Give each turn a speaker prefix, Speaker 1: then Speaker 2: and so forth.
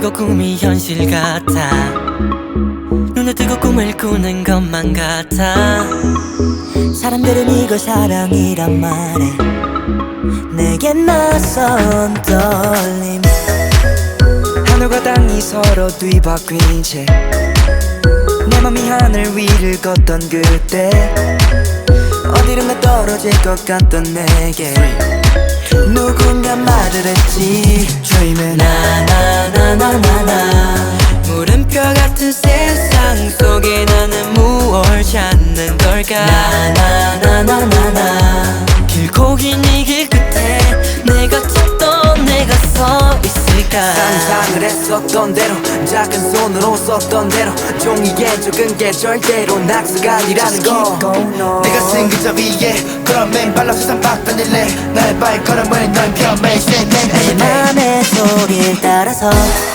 Speaker 1: 뜨고 꿈이 현실 같아. 눈을 뜨고 꿈을 꾸는 것만 같아.
Speaker 2: 사람들은 이걸 사랑이란 말해. 내겐 낯선 떨림.
Speaker 3: 하늘과 땅이 서로 뒤바뀐 채 내 맘이 하늘 위를 걷던 그때 어디론가 떨어질 것 같던 내게 누군가 말을 했지. Dreaming
Speaker 1: 나나나나나나. 물음표 같은 세상 속에 나는 무얼 찾는 걸까. 나나나나나나. 길고 긴 이 길 끝에 내가 찾던 내가 서 있을까.
Speaker 3: 상상을 했었던 대로 작은 손으로 썼던 대로 종이에 적은 게 절대로 낙서가 아니라는 거.
Speaker 4: 내가 쓴 글자 위에 그런 맨발로 세상 바꿔낼래. 나의 발걸음을 널 펴매세
Speaker 2: 내 맘의 소리를 따라서